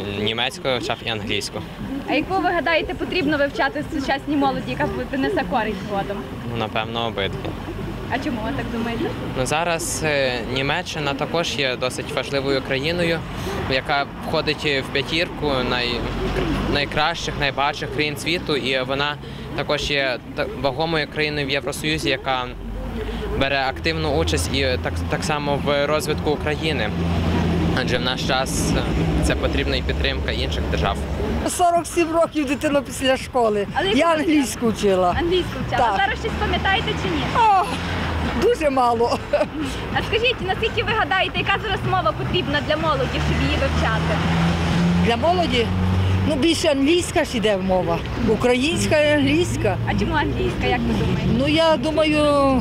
німецьку вивчав і англійську. А яку ви гадаєте потрібно вивчати сучасній молоді, яка принесе користь згодом? Ну, напевно, обидві. А чому ви так думаєте? Ну, зараз Німеччина також є досить важливою країною, яка входить в п'ятірку найкращих, найбагатших країн світу, і вона також є вагомою країною в Євросоюзі, яка бере активну участь і так само в розвитку України. Адже в наш час це потрібна і підтримка інших держав. 47 років дитина після школи. Я англійську вчила. Англійську вчила. Так. А зараз щось пам'ятаєте чи ні? О, дуже мало. А скажіть, наскільки ви гадаєте, яка зараз мова потрібна для молоді, щоб її вивчати? Для молоді ну, більше англійська ж іде мова. Українська і англійська. А чому англійська, як ви думаєте? Ну, я думаю,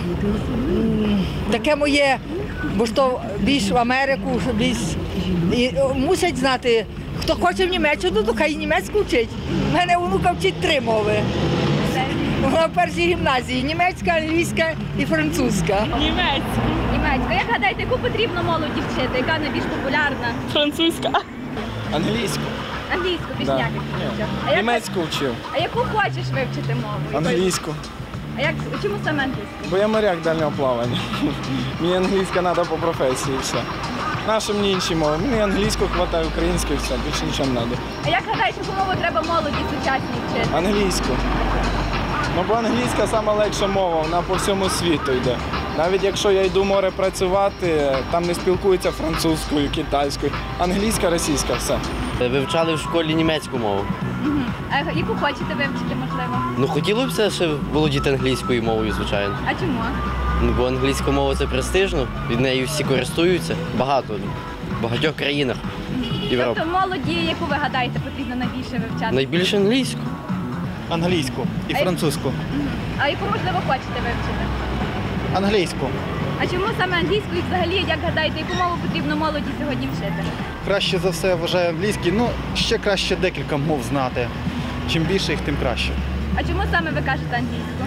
таке моє, бо ж то більш в Америку, що більш... І мусять знати, хто хоче в Німеччину, то хай німецьку вчить. У мене онука вчить 3 мови. Вона в першій гімназії – німецька, англійська і французька. Німецька. Німецька. Як гадаєте, яку потрібно молоді вчити? Яка найбільш популярна? Французька. Англійську. Англійську, більш Да. ніяких не вчив. Німецьку вчив. А яку хочеш вивчити мову? Англійську. А чому саме англійську? Бо я моряк дальнього плавання. Мені англійська треба по професії і все. Наша мені інші мови. Мені англійську вистачає, українську і все. Більше нічого не треба. А як гадаєш, яку мову треба молоді сучасній вчити? Англійську. Ну, бо англійська сама легша мова, вона по всьому світу йде. Навіть якщо я йду в море працювати, там не спілкуються французькою, китайською. Англійська, російська, все. Вивчали в школі німецьку мову. А яку хочете вивчити, можливо? Ну, хотілося б ще володіти англійською мовою, звичайно. А чому? Ну, бо англійська мова – це престижно, від неї всі користуються, багато, в багатьох країнах Європи. Тобто молоді, яку ви гадаєте, потрібно найбільше вивчати? Найбільше англійську. Англійську і французьку. А яку, можливо, хочете вивчити? Англійську. А чому саме англійську і взагалі, як гадаєте, яку мову потрібно молоді сьогодні вчити? Краще за все вважаю англійський, ну ще краще декілька мов знати. Чим більше їх, тим краще. А чому саме ви кажете англійську?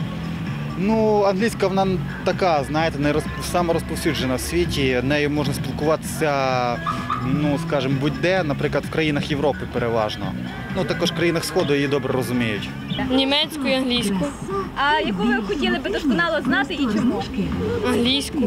Ну, англійська вона така, знаєте, сама розповсюджена в світі. Нею можна спілкуватися, ну, скажімо, будь-де, наприклад, в країнах Європи переважно. Ну, також в країнах Сходу її добре розуміють. Німецьку і англійську. А яку ви хотіли би досконало знати і чому? Англійську.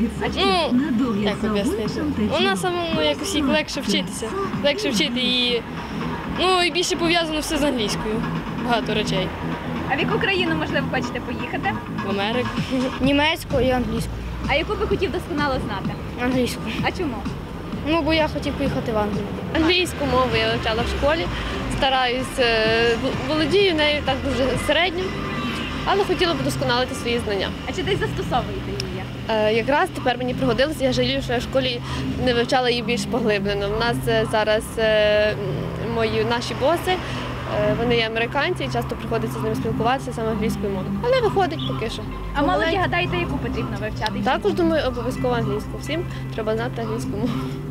Ну, як об'яснити? Вона самому якось їй легше вчитися. Легше вчити її. Ну, і більше пов'язано все з англійською. Багато речей. А в яку країну, можливо, хочете поїхати? В Америку. Німецьку і англійську. А яку би хотів досконало знати? Англійську. А чому? Ну, бо я хотів поїхати в Англію. Англійську мову я вивчала в школі. Стараюсь, володію нею так дуже середньо, але хотіла б досконалити свої знання. А чи десь застосовуєте її? Якраз тепер мені пригодилося, я жалію, що я в школі не вивчала її більш поглиблено. У нас зараз наші боси, вони є американці, і часто приходиться з ними спілкуватися саме англійською мовою. Але виходить поки що. А молоді гадаєте, яку потрібно вивчати? Також думаю, обов'язково англійську. Всім треба знати англійську мову.